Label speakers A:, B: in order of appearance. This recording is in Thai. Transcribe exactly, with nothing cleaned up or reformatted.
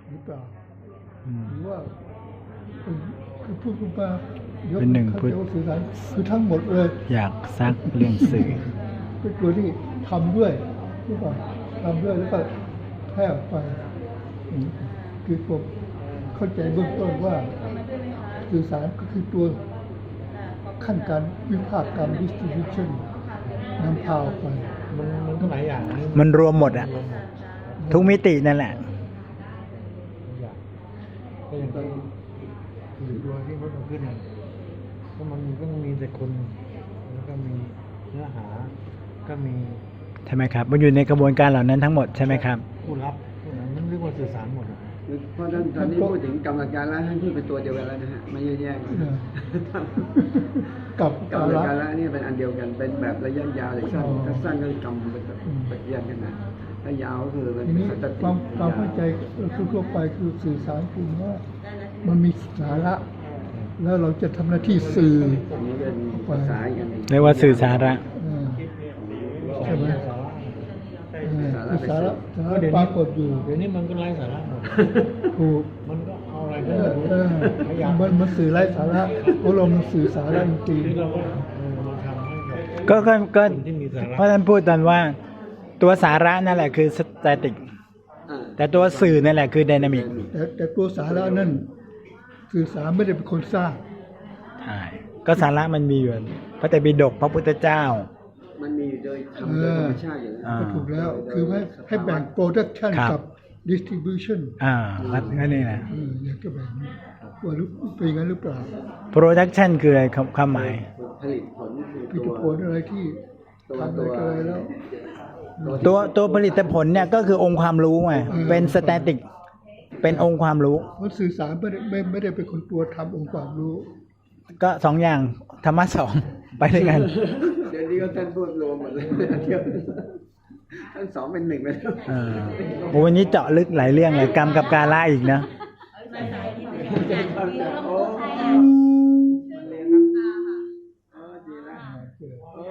A: หรือเปล่า
B: อืม
A: หรือว่าเป็นคือพูดขึ้นมายก
B: เป็นหนึ่ง
A: เข้า
B: พุทธ
A: ใจว่าสื่อสารคือทั้งหมดเลย
B: อยากซักเรื่องสื่อ
A: เป็นตัวที่ทำด้วยหรือเปล่าทำด้วยแล้วก็แพร่ออกไปอืมคือผมเข้าใจเบื้องต้นว่าสื่อสารก็คือตัวขั้นการวิพากษ์กรรม distribution นำพาออกไป
C: มันมันก็หลายอย่างนะ
B: มันรวมหมดอะทุกมิตินั่นแหละ
C: หลายอย่างก็อย่างที่อยู่ตัวที่รถมันขึ้นเนี่ยก็มันก็มีแต่คนแล้วก็มีเนื้อหา ก็มี
B: ใช่ไหมครับ มันอยู่ในกระบวนการเหล่านั้นทั้งหมดใช่ไหมครับ
C: ผู้รับผู้นั้นมันเรียกว่าสื่อสารหมดอะ
D: เพราะฉะนั้นตอนนี้พูดถึงกรรมการละให้พูดเป็นตัวเดียวกันแล้วนะฮะไม่แยกๆกัน
A: เออ กับ
D: กรร
A: กาม ระ
D: การละนี่เป็นอันเดียวกันเป็นแบบระยะยาวหรือสั้น
A: อ๋อ
D: ถ้าสั้นก็คือกรรมเป็นแบบปฏิญาณกันนะถ้ายาวก็คือมัน
A: ที
D: เป็น
A: นี้
D: สัต
A: ค
D: ติ
A: วามความเข้าใจทั่วๆไปคือสื่อสารคือว่ามันมีสาระ แล้วเราจะทำหน้าที่สื่อ
D: อันนี้เป็นภาษาอีกอันหนึ่ง
B: เรียกว่าสื่อสาระ
A: เออใช่ไหม
C: สาระ
A: เออคือสาระสา
C: ก็
A: ระ
C: เดี๋ยว
A: ป
C: นี้
A: รากฏอยู่
C: เดี๋ยวนี้มันก็ไร้สาระหมด
A: ถูก
C: มันก็เอาอะไร
A: เอ
C: ก็
A: อ
C: ไม่รู้
A: เออ
C: พยายาม
A: มันมันสื่อไร้สาระเพราะเรามันสื่อสาระจริง
C: ที่เราก็เออมันทำให้กับ
B: ก็ก็ก็
C: คนที่มีสาระ
B: เพราะท่านพูดตอนว่า ตัวสาระนั่นแหละคือสแตติก
D: อ่า
B: แต่ตัวสื่อนั่นแหละคือไดนามิก
A: ๆแต่แต่ตัวสาระนั่นสื่อสารไม่ได้เป็นคนสร้าง
B: ใช่ ก็สาระมันมีอยู่พระไตรปิฎกพระพุทธเจ้า
D: มันมีอยู่โดยทำโดยธรรมชาติอยู่แล้ว
B: อ่า
A: ก็ถูกแล้วคือให้ให้แบ่ง production
B: ครับ
A: กับ distribution
B: อ่าวัดก็นี่แหละ
A: เอออยากจะแบ่งว่าหรือเป็นอย่างนั้นหรือเปล่า
B: production คืออะไรความความหมาย
D: ผลิตผลคือ
A: ผลิต
D: ตัว
A: ผลอะไรที่
D: ตัว
A: ทำอะไร
D: ตัว
A: กันอะไรแล้ว
B: ตัวตัวผลิตผลเนี่ยก็คือองค์ความรู้ไง
A: อืม
B: เป็นสแตติก เป็นองค์ความรู้
A: เพราะสื่อสารไม่ได้ไม่ไม่ได้เป็นคนตัวทำองค์ความรู้
B: ก็สองอย่างธรรมะสอง ไปด้วยกัน
D: เดี๋ยวนี้ก็ท่านพูดรวมหมดเลยอันเดียวท่านสองเป็นหนึ่งไปแล้ว
B: เออโอ้วันนี้เจาะลึกหลายเรื่องเลยกรรมกับกาละอีกนะ
D: โอ้